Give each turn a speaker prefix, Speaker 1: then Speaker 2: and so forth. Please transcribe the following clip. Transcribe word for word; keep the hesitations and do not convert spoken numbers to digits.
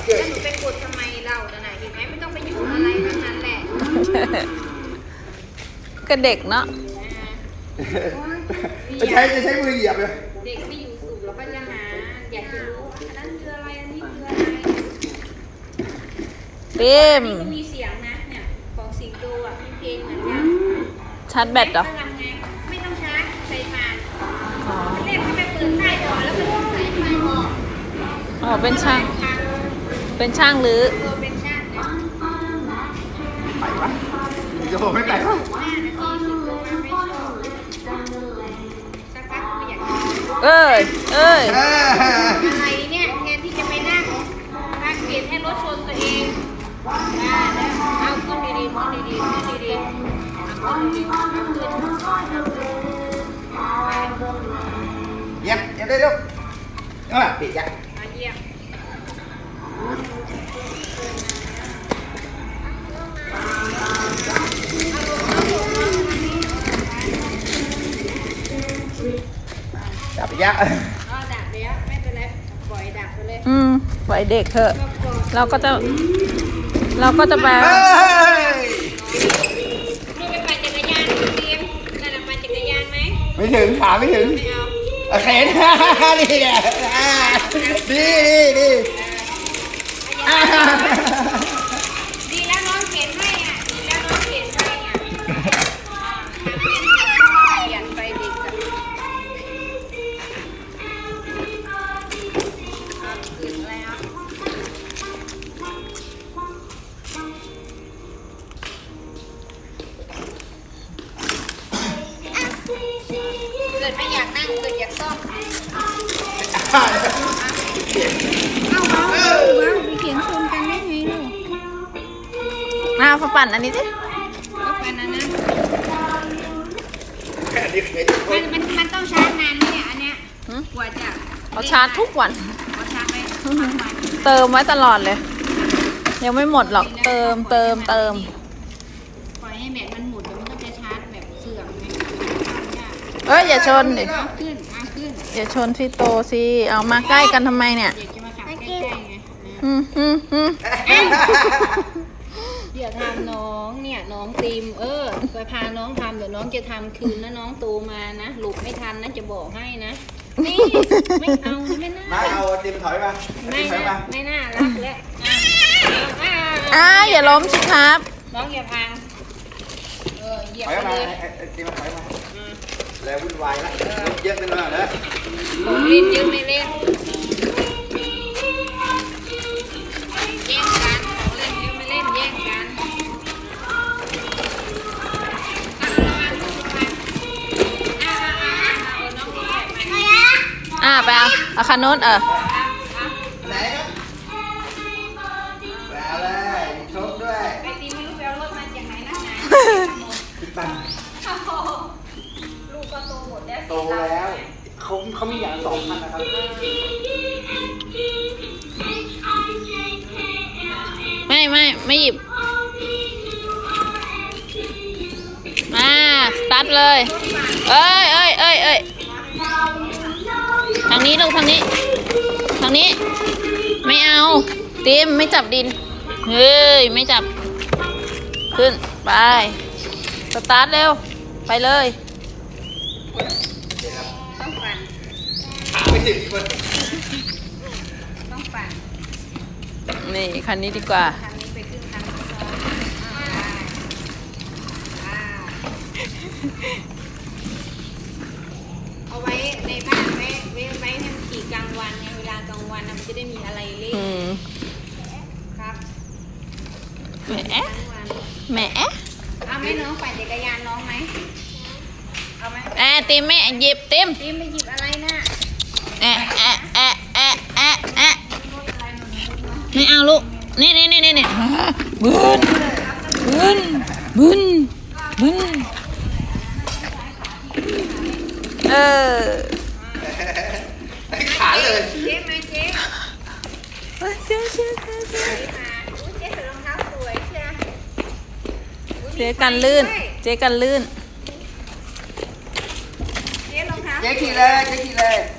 Speaker 1: แล้วหนูไปกดทำไมเราไหนเห็นไหมไม่ต้องไปอยู่อะไรทั้งนั้นแหละ
Speaker 2: ก็เด็กเนาะ
Speaker 3: จะใช้จะใช้มือเหยียบเลย
Speaker 1: เด็กไม่อยู่สูบแล้วก็จะหาอยากจะรู้อันนั้นคืออะไรอันนี้คืออะไร
Speaker 2: เต็ม
Speaker 1: ก็มีเสียงนะเนี่ยของสิงโตอ่ะมีเพลงเหมือนกัน
Speaker 2: ชาร์จแบตเหรอ
Speaker 1: ไม่ต้องชาร์จใส่ผ่านเรียกให้ไปเปิดใต้ก่อนแล้วก็ใส่ไฟออก
Speaker 2: อ๋อเป็นช่างเป็นช่างหรือ
Speaker 1: เป็นช่างเนี่ย
Speaker 3: ไปวะจะบอกไม่ไปวะ
Speaker 2: เอ้ยเอ้ย
Speaker 1: อะไรเนี่ยแทนที่จะไปนั่งนั่งเปลี่ยนให้รถชนตัวเองได้แล้วเอาขึ้นดีๆขึ้นดีๆขึ้นดีๆเอาขึ้นดีๆเอาขึ้น
Speaker 3: เยี่ยมเยี่ยมได้ลูกเออปิดจ้ะ
Speaker 1: มาเยี่ยม
Speaker 3: ดับไปยะ
Speaker 1: อ๋อดับเลยอ่ะไม่เป็นไรปล่อยดับไปเลย
Speaker 2: อืมปล่อยเด็กเถอะเราก็จะเราก็จะไป
Speaker 1: นี่ไปปั่นจักรยานเตรียมนั่นแหละปั่นจักรยานไหม
Speaker 3: ไม่ถึงขาไม่ถึง
Speaker 1: ไม่เอา
Speaker 3: โอเคนี่แหละดีดีดี
Speaker 1: ดีแล้วน้องเข็นให้อ่ะดีแล้วน้องเข็นให้อ่ะเปลี่ยนไปเด็กอ่ะขึ้นแล้วเกิดไม่อยากนั่งเกิดอยากซ่อมเอาเอาเอาไปเขียนชนกันได้ไงลูก
Speaker 2: มาพอปั่นอันนี้สิ
Speaker 1: ก็ปั่นอันนั้นมันมันมันต้องชาร์จนานเนี่ยอันเนี้ยกว่าจะ
Speaker 2: เอาชาร์จทุกวัน
Speaker 1: เอาชาร์จไว้ทุกวัน
Speaker 2: เติมไว้ตลอดเลยยังไม่หมดหรอกเติมเติมเติม
Speaker 1: ปล่อยให้แบตมันหมดแล้วมันก็จะชาร์จแบบเสื่อมไง
Speaker 2: เอ้ยอย่าชนดิ
Speaker 1: เอาขึ้นเอาขึ้น
Speaker 2: อย่าชนพี่โตสิเอามาใกล้กันทำไมเนี่ย
Speaker 1: เด็กจะมาขับใกล้ๆไง
Speaker 2: อืมอืมอืม
Speaker 1: เดี๋ยวทำน้องเนี่ยน้องตีมเออไปพาน้องทำเดี๋ยวน้องจะทำคืนนะน้องโตมานะหลุดไม่ทันนะจะบอกให้นะนี่ไม่เอาไม่น่า
Speaker 3: มาเอาตีมถอยมา
Speaker 1: ไม่น่าไม่น่ารักแล้ว
Speaker 2: อ่าอย่าล้มสิครับ
Speaker 1: น้องอย่าพังเออเหยียบ
Speaker 3: ไปเลยตีมาถอยมาแล้ววุ่นวายแล้วเยอะไปหน่อยนะ
Speaker 1: ผมเล่นเยอะไม่เล่นแย่งกันของเล่นเยอะไม่เล่นแย่งกัน
Speaker 2: อ่าไปเอาเอาคันโน้นเออ
Speaker 3: ไหนครับไปเอาเลยชกด้วย
Speaker 1: ไปตีไม่รู้ไปเอารถมาจากไหนนะ
Speaker 3: ติดปัง
Speaker 1: ลูกก็โตหมดแล้ว
Speaker 3: โตแล้วเขาเขามีอย่างสองพันนะครับ
Speaker 2: ไม่ไม่ไม่หยิบมาสตาร์ทเลยเอ้ยเอ้ยเอ้ยเอ้ยทางนี้ลูกทางนี้ทางนี้ไม่เอาเต็มไม่จับดินเฮ้ยไม่จับขึ้นไปสตาร์ทเร็วไปเลย
Speaker 1: ต้องปั่น
Speaker 3: ขาไม่ถึงคน
Speaker 1: ต้องปั่น
Speaker 2: นี่คันนี้ดีกว่า
Speaker 1: คันนี้ไปขึ้นคันซ้อนเอาไว้ในบ้านไว้ไว้ไว้ให้มันขี่กลางวันไงเวลากลางวันมันจะได้มีอะไรเล่นครับ
Speaker 2: แหมแหม
Speaker 1: เอาไหมน้องปั่นจักรยานน้องไหมเอาไหม
Speaker 2: แอะติมไม่หยิบติม
Speaker 1: ติมไปหยิบอะไรน่ะ
Speaker 2: แอะแอะแอะแอะแอะแอะนี่เอาลูกนี่นี่นี่นี่บึนบึนบึนบึนเออ
Speaker 3: ขาเลย
Speaker 1: เจ๊มาเจ๊
Speaker 2: เจ๊เจ๊เจ๊เจ๊
Speaker 1: เจ๊ใส่รองเท้าสวยเชีย
Speaker 2: เจ๊กันลื่นเจ๊กันลื่น
Speaker 1: เจ๊รองเท้า
Speaker 3: เจ๊ขี่เลยเจ๊ขี่เลย